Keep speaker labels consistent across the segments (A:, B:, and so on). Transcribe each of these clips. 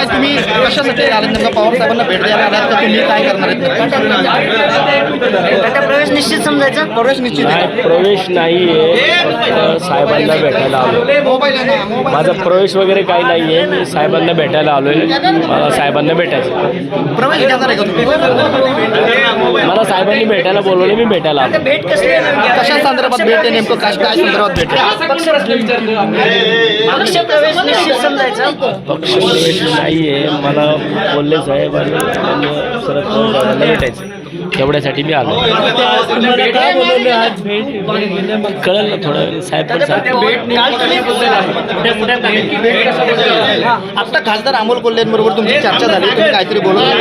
A: काय तुम्ही कशासाठी आलात नेमका पवार साहेबांना भेट द्यायला आलात का तुम्ही काय करणार आहेत?
B: आता प्रवेश निश्चित समजायचा.
A: प्रवेश निश्चित आहे.
C: प्रवेश नाही आहे, फक्त साहेबांना भेटायला आलो. माझा प्रवेश वगैरे काही नाही आहे. मी साहेबांना भेटायला आलो आहे. मला साहेबांना भेटायचं.
A: प्रवेश घेणार आहे का तुम्ही?
C: मला साहेबांनी भेटायला बोलवलं, मी भेटायला आलो.
B: भेट कसली आहे?
A: कशा संदर्भात भेट आहे नेमकं? काय संदर्भात भेट आहे?
B: पक्ष प्रवेश निश्चित समजायचा.
C: पक्ष प्रवेश नाही आहे. मला बोलले साहेब आणि शरद पवार साहेबांना भेटायचं, तेवढ्यासाठी मी आलो. कळलं ना थोडं, साहेब पण
A: आता खासदार अमोल कोल्हेंबरोबर तुमची चर्चा झाली, तुम्ही काहीतरी बोलत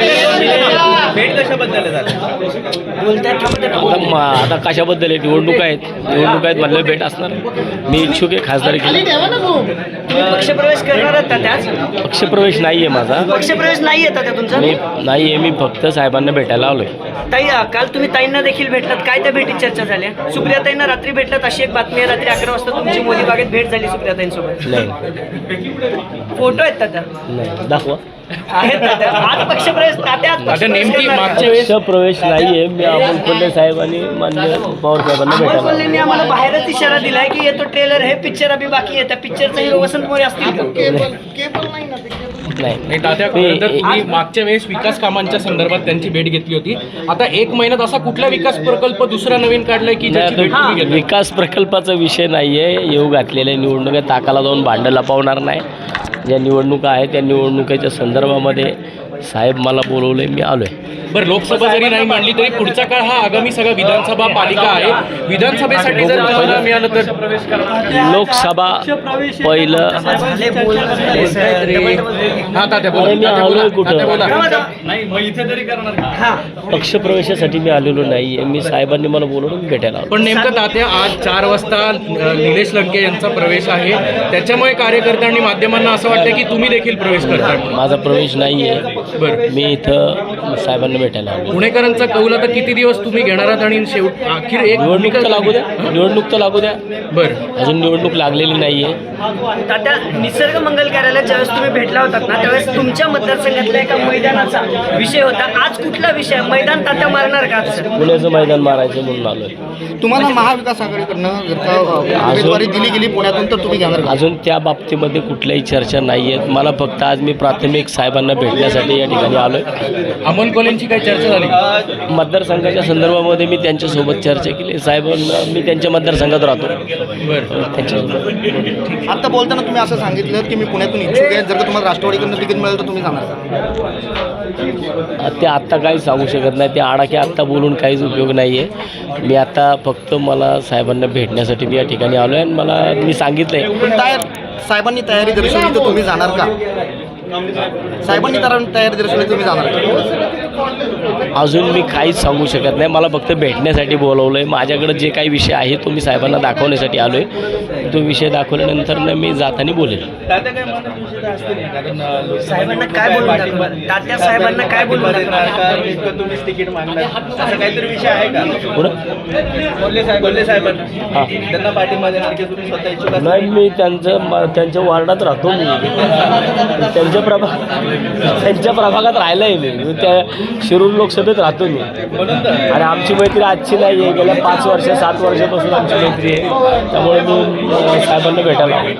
C: आता कशाबद्दल आहे? निवडणूक आहेत, निवडणूक आहेत म्हणलं भेट असणार. मी इच्छुक आहे खासदार केली.
B: तुम्ही पक्ष प्रवेश करणार आहात का त्याच?
C: पक्षप्रवेश नाही आहे माझा.
B: पक्ष प्रवेश नाही येतात का तुमचा?
C: मी नाही आहे, मी फक्त साहेबांना भेटायला आलोय.
B: ताई, काल तुम्ही ताईंना देखील भेटलात, काय त्या भेटीत चर्चा झाल्या? सुप्रियाताईंना रात्री भेटलात अशी एक बातमी आहे. रात्री 11 वाजता तुमची मोदी बागेत भेट झाली सुप्रियाताईंसोबत.
C: नाही
B: फोटो आहेत तात्या?
C: नाही, दाखवा.
B: आहेत तात्या. आज पक्ष प्रवेश तात्या, आज पक्ष प्रवेश करणार का?
C: पक्षप्रवेश नाही आहे. मी अमोल कोल्हे साहेब आणि माननीय पवार साहेबांना
B: अमोल
C: भेटायला
B: कोल्हेंनी आम्हाला बाहेरच इशारा दिलाय की येतो ट्रेलर, हे पिक्चर अभि बाकी आहे. त्या पिक्चरचा हिरो वसंत मोरे असतील का?
C: नाही.
D: तात्या, खरं तर तुम्ही मागच्या वेळेस विकास कामांच्या संदर्भात त्यांची भेट घेतली होती. आता 1 महिन्यात असा कुठला विकास प्रकल्प दुसरा नवीन काढलाय की ज्याची भेट तुम्ही घेतली?
C: विकास प्रकल्पाचा विषय नाही आहे. येऊ घातलेल्या निवडणुका ताकाला जाऊन भांडं लपवणार नाही. ज्या निवडणुका आहेत त्या निवडणुकीच्या संदर्भामध्ये साहेब मला बोलवले, मी आलो आहे.
D: बरं, लोकसभा जरी नाही मांडली तरी पुढचा काळ हा आगामी सगळा विधानसभा पालिका आहे. विधानसभेसाठी जर तुम्हाला मिळालं तर
C: लोकसभा पहिलं.
D: हा तात्या बोला.
C: मी आलोय कुठं?
D: तात्या बोला.
C: पक्षप्रवेशासाठी मी आलेलो नाही आहे. मी साहेबांनी मला बोलवलं, मी भेटायला आलो.
D: पण नेमकं तात्या आज 4 वाजता निलेश लंके यांचा प्रवेश आहे. त्याच्यामुळे कार्यकर्त्यांनी माध्यमांना असं वाटतं की तुम्ही देखील प्रवेश करता.
C: माझा प्रवेश नाही आहे.
D: बरं,
C: मी इथं साहेबांना भेटायला आलो.
D: पुणेकरांचा कौल आता किती दिवस तुम्ही घेणार आहात आणि शेवट अखेर एक
C: निवडणूक तर लागू द्या, निवडणूक तर लागू द्या.
D: बरं,
C: अजून निवडणूक लागलेली नाही आहे.
B: तात्या, निसर्ग मंगल कार्यालयात ज्यावेळेस तुम्ही भेटला होतात ना, त्यावेळेस तुमच्या मतदारसंघातल्या एका मैदानाचा विषय होता. आज कुठला विषय? मैदान तात्या मारणार का आज?
C: पुण्याचं मैदान मारायचं म्हणून आलोय.
A: तुम्हाला महाविकास आघाडीकडनं जर का उमेदवारी दिली गेली पुण्यातून तर तुम्ही घेणार का?
C: अजून त्या बाबतीमध्ये कुठल्याही चर्चा नाही आहेत. मला फक्त आज मी प्राथमिक साहेबांना भेटण्यासाठी या ठिकाणी आलोय.
D: अमोल कोल्हेंची काही चर्चा झाली?
C: मतदारसंघाच्या संदर्भामध्ये मी त्यांच्यासोबत चर्चा केली. साहेबांना मी त्यांच्या मतदारसंघात राहतो.
D: बरं,
C: त्यांच्यासोबत
A: आता बोलताना तुम्ही असं सांगितलं की मी पुण्यातून इच्छुक आहे, जर का तुम्हाला राष्ट्रवादीकडनं तिकीट मिळालं तर तुम्ही जाणार का?
C: ते आत्ता काही सांगू शकत नाही. ते आडाखे आत्ता बोलून काहीच उपयोग नाही आहे. मी आता फक्त मला साहेबांना भेटण्यासाठी मी या ठिकाणी आलो आहे आणि मला मी सांगितलं आहे.
A: पण साहेबांनी तयारी दर्शवली तर तुम्ही जाणार का? साहेबांनी तयारी दर्शवली तुम्ही जाणार का?
C: अजून मी काहीच सांगू शकत नाही. मला फक्त भेटण्यासाठी बोलवलं आहे. माझ्याकडे जे काही विषय आहे तो मी साहेबांना दाखवण्यासाठी आलो आहे. तो विषय दाखवल्यानंतर मी जाताना बोलेल.
B: साहेबांना काय बोलून दाखवणार? तात्या साहेबांना काय बोलून दाखवणार?
E: काहीतरी विषय आहे का? कोल्हे साहेबांना
C: हां,
E: त्यांना पाठिंबा देणार की तुम्ही स्वतः इच्छुक असाल?
C: नाही, मी त्यांच्या वार्डात राहतो. मी त्यांच्या प्रभागात राहिलं आहे. मी त्या शिरूर लोकसभेत राहतो मी. आणि आमची मैत्री आजची नाही आहे. गेल्या 5 वर्ष 7 वर्षापासून आमची मैत्री आहे. त्यामुळे मी साहेबांना भेटायला आलो.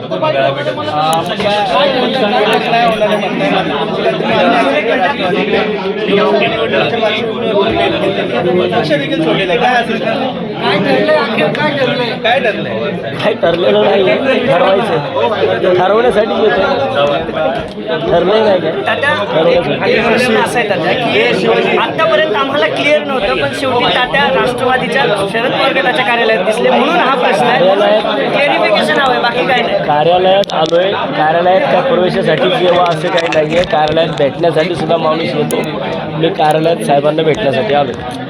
C: काही ठरलेलं नाही. ठरवायचं, ठरवण्यासाठी येतो. ठरलं नाही काय
B: तात्या, असं आहे तात्या की आतापर्यंत आम्हाला क्लिअर नव्हतं, पण शेवटी तात्या राष्ट्रवादीच्या शरद पवार गटाच्या कार्यालयात दिसले म्हणून हा प्रश्न आहे. क्लिअरिफिकेशन हवं आहे, बाकी काय नाही.
C: कार्यालयात आलोय. कार्यालयात त्या प्रवेशासाठी किंवा असं काही नाही आहे. कार्यालयात भेटण्यासाठी सुद्धा माणूस येतो. मी कार्यालयात साहेबांना भेटण्यासाठी आलो.